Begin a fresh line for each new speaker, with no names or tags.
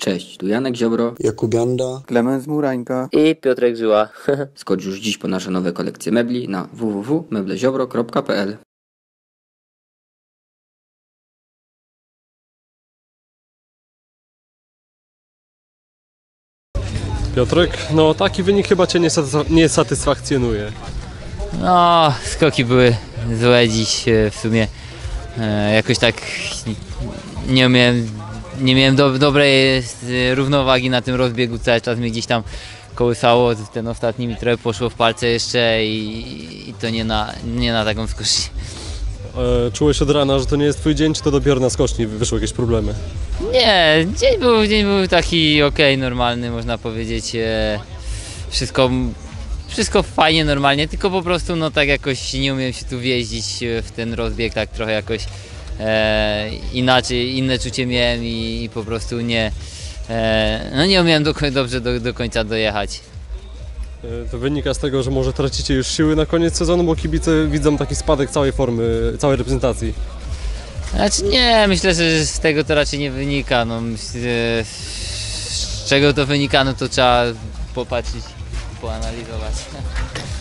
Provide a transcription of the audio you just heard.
Cześć, tu Janek Ziobro,
Jakub Janda,
Klemens Murańka
i Piotrek Żyła.
skocz już dziś po nasze nowe kolekcje mebli na www.mebleziobro.pl.
Piotrek, no taki wynik chyba Cię nie satysfakcjonuje.
No, skoki były złe dziś w sumie. Jakoś tak nie miałem dobrej równowagi na tym rozbiegu, cały czas mnie gdzieś tam kołysało, ten ostatni mi trochę poszło w palce jeszcze i to nie na taką skocznię.
Czułeś od rana, że to nie jest Twój dzień, czy to dopiero na skoczni wyszły jakieś problemy?
Nie, dzień był taki okej, normalny, można powiedzieć. Wszystko fajnie, normalnie, tylko po prostu no tak jakoś nie umiem się tu wjeździć w ten rozbieg, tak trochę jakoś inaczej, inne czucie miałem i po prostu nie umiałem dobrze do końca dojechać.
To wynika z tego, że może tracicie już siły na koniec sezonu, bo kibice widzą taki spadek całej formy, całej reprezentacji.
Znaczy nie, myślę, że z tego to raczej nie wynika. No, z czego to wynika, no to trzeba popatrzeć, poanalizować.